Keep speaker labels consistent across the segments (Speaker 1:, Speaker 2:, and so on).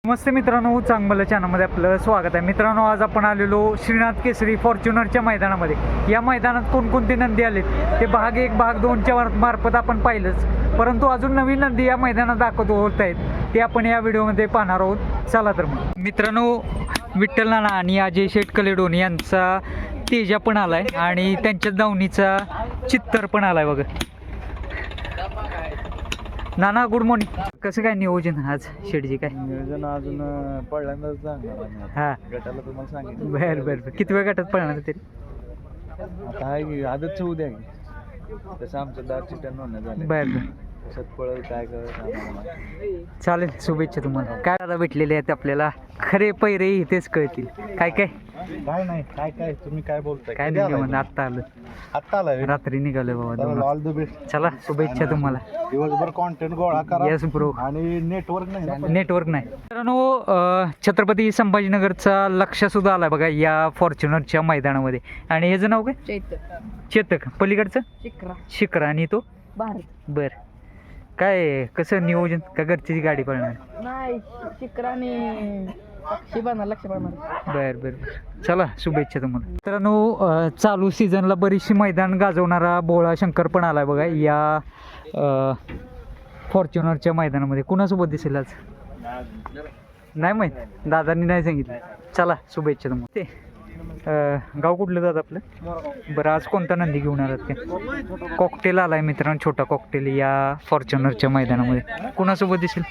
Speaker 1: नमस्ते मित्रांनो, चांगलं चॅनलमध्ये आपलं स्वागत आहे. मित्रांनो, आज आपण आलेलो श्रीनाथ केसरी फॉर्च्युनरच्या मैदानामध्ये. या मैदानात कोणकोणते नंदी आलेत ते भाग 1 भाग 2च्या मार्फत आपण पाहिलंच, परंतु अजून नवीन नंदी या मैदानात दाखवत होत आहेत ते आपण या व्हिडिओमध्ये पाहणार आहोत. चला तर मग मित्रांनो, विठ्ठल नाना आणि अजय शेठ कलेडोन यांचा तेजा पण आलाय आणि त्यांच्याच दावणीचा चित्तर पण आलाय बघा. नाना, गुड मॉर्निंग. कसं काय नियोजन आज शेठजी? काय
Speaker 2: नियोजन अजून पहिल्यांदाच सांगणार.
Speaker 1: हां,
Speaker 2: गटाला तुम्हाला सांगितलं.
Speaker 1: बरं. किती वेळ गटात पळणार तरी?
Speaker 2: आता आहे की आदतचं उद्या की तसं आमचं 10 चिट्ट्या नोंदण्या झाल्या.
Speaker 1: बरं.
Speaker 2: कसं पळल काय कर.
Speaker 1: चालेल, शुभेच्छा तुम्हाला. काय दादा भेटलेले आहेत आपल्याला, खरे पैरे इथेच कळतील. काय काय
Speaker 2: नाही काय तुम्ही काय बोलताय?
Speaker 1: काय निघालं? आत्ता आलं,
Speaker 2: आत्ता आलाय
Speaker 1: रात्री निघालोय बाबा.
Speaker 2: All the best.
Speaker 1: चला, शुभेच्छा तुम्हाला.
Speaker 2: दिवसभर कॉन्टेंट गोळा करा.
Speaker 1: Yes bro.
Speaker 2: आणि नेटवर्क नाही.
Speaker 1: नेटवर्क नाही. मित्रांनो, छत्रपती संभाजीनगरचा लक्ष सुद्धा आला बघा या फॉर्च्युनरच्या मैदानामध्ये. आणि ह्याचं नाव काय? चेतक. पलीकडचं शिखर आणि तो बर. काय कसं नियोजन? का घरची गाडी पळणार?
Speaker 3: नाही, शिखराने लक्ष
Speaker 1: बर. चला, शुभेच्छा तुम्हाला. मित्रांनो, चालू सीझनला बरीचशी मैदान गाजवणारा बोळा शंकर पण आलाय बघा या फॉर्च्युनरच्या मैदानामध्ये. कुणासोबत दिसेल आज? नाही माहीत, दादांनी नाही सांगितलं. चला, शुभेच्छा तुम्हाला. ते गाव कुठलं दादा आपलं? बरं, आज कोणता नंदी घेऊन आलात ते? कॉकटेल आलाय मित्रांनो, छोटा कॉकटेल या फॉर्च्युनरच्या मैदानामध्ये. कुणासोबत दिसेल?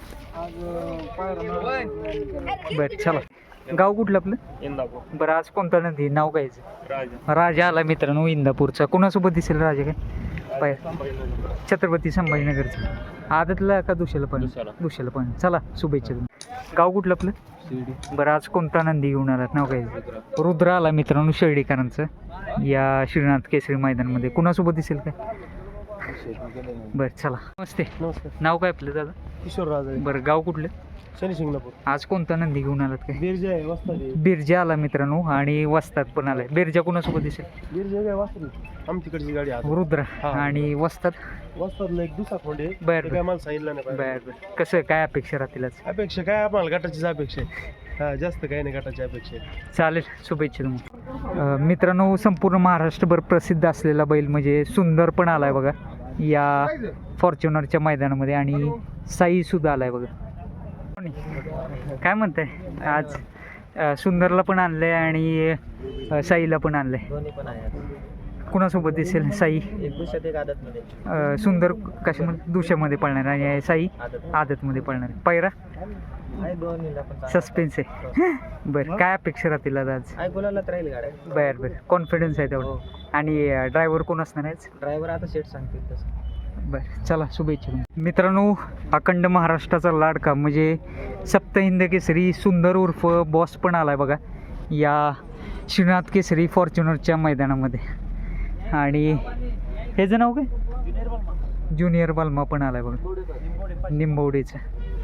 Speaker 1: बरं, चला. गाव कुठलं आपलं?
Speaker 2: इंदापूर.
Speaker 1: बरं, आज कोणता नंदी? नाव कायचं? राजा आला मित्रांनो इंदापूरचा. कुणासोबत दिसेल राजा? काय छत्रपती संभाजीनगरचा. आदतला का दुसऱ्याला पण? चला, शुभेच्छा तुम्ही. गाव कुठलं आपलं? बरं, आज कोणता नंदी घेऊन आलात? नाव काय? रुद्र आला मित्रांनो शेर्डीकरांचं या श्रीनाथ केसरी मैदानामध्ये. कुणासोबत दिसेल काय? बरं, चला. नमस्ते. नाव काय आपलं दादा?
Speaker 2: किशोर राजा.
Speaker 1: बरं, गाव कुठलं?
Speaker 2: शनी शिंगणापूर.
Speaker 1: आज कोणता नंदी घेऊन आलात काय?
Speaker 2: बिरजा आहे, वस्ताद आहे.
Speaker 1: बिरजा आला मित्रांनो आणि वस्ताद पण आलाय. बिरजा कुणासोबत दिसेल?
Speaker 2: बिरजा काय वस्ताद आमच्याकडची गाडी आहे.
Speaker 1: रुद्र आणि वस्ताद.
Speaker 2: वस्तादला एक दुसरा खोंड आहे.
Speaker 1: बरं.
Speaker 2: काय मला सांगितलं नाही.
Speaker 1: बर. कसं काय अपेक्षा राहतील आज?
Speaker 2: अपेक्षा काय आम्हाला गटाचीच अपेक्षा आहे. हा, जास्त काही नाही गटाची अपेक्षा आहे.
Speaker 1: चालेल, शुभेच्छा तुम्हाला. मित्रांनो, संपूर्ण महाराष्ट्रभर प्रसिद्ध असलेला बैल म्हणजे सुंदर पण आलाय बघा या फॉर्च्युनरच्या मैदानामध्ये. आणि साई सुद्धा आलाय बघा. काय म्हणताय आज? सुंदरला पण आणलंय आणि साईला पण आणलंय. कुणासोबत दिसेल? साई सुंदर कशामध्ये? दुशामध्ये पळणार आणि साई आदतमध्ये पळणार. पैरा सस्पेन्स आहे. बरं, काय अपेक्षा राहतील आज? बरं. कॉन्फिडन्स आहे तेवढं. आणि ड्रायव्हर कोण असणार आहे?
Speaker 3: ड्रायव्हर आता सेट सांगतील तसं.
Speaker 1: बरं, चला, शुभेच्छा. मित्रांनो, अखंड महाराष्ट्राचा लाडका म्हणजे सप्तहिंद केसरी सुंदर उर्फ बॉस पण आलाय बघा या श्रीनाथ केसरी फॉर्च्युनरच्या मैदानामध्ये. आणि ह्याचं नाव काय? ज्युनियर बाल्मा पण आलाय बघा निंबवडेचं.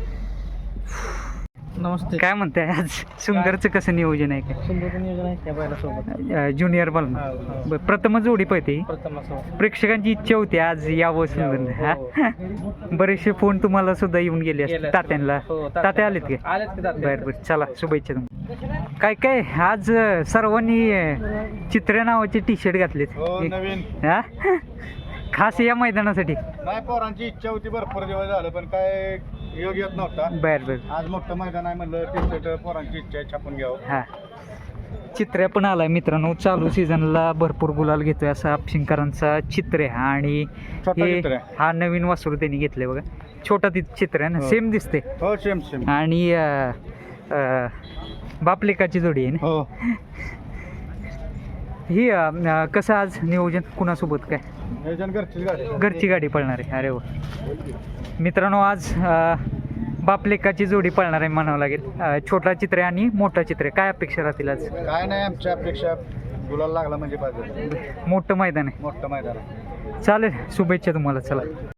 Speaker 2: नमस्ते.
Speaker 1: काय म्हणताय आज? सुंदरचं कसं नियोजन आहे? काय
Speaker 3: सुंदर नियोजन आहे त्या बैलासोबत.
Speaker 1: ज्युनियर बाल्मा. बरं, प्रथमच जोडी पाहिजे. प्रेक्षकांची इच्छा होती आज यावं सुंदर. हा, बरेचसे फोन तुम्हाला सुद्धा येऊन गेले असते तात्यांना. तात्या आलेत का? बरं. चला, शुभेच्छा तुम्हाला. काय आज सर्वांनी चित्र्या नावाचे टी शर्ट घातलेत. हा, खास या मैदानासाठी.
Speaker 2: नाही, पोरांची इच्छा होती, भरपूर दिवस झालं पण काय योग येत नव्हता.
Speaker 1: बरं.
Speaker 2: आज मोठं मैदान आहे म्हणलं टी-शर्ट पोरांची इच्छा आहे छापून घ्यावं.
Speaker 1: हा, चित्र्या पण आलाय मित्रांनो. चालू सीझनला भरपूर गुलाल घेतोय असा आपशिंकरांचा चित्र आहे. आणि हा नवीन वासरू त्यांनी घेतलंय बघा. छोटा चित्र आहे ना, सेम दिसते.
Speaker 2: हो, सेम.
Speaker 1: आणि बापलेकाची जोडी आहे ना.
Speaker 2: हो.
Speaker 1: ही कसं आज नियोजन? कुणासोबत काय? घरची गाडी पळणार आहे. अरे वा मित्रांनो, आज बापलेकाची जोडी पळणार आहे म्हणावं लागेल. छोटा चित्र आणि मोठा चित्र. काय अपेक्षा राहतील आज?
Speaker 2: काय नाही, आमच्या अपेक्षा गुलाल लागला म्हणजे पाहिजे.
Speaker 1: मोठं मैदान आहे.
Speaker 2: मोठं मैदान आहे.
Speaker 1: चालेल, शुभेच्छा तुम्हाला. चला.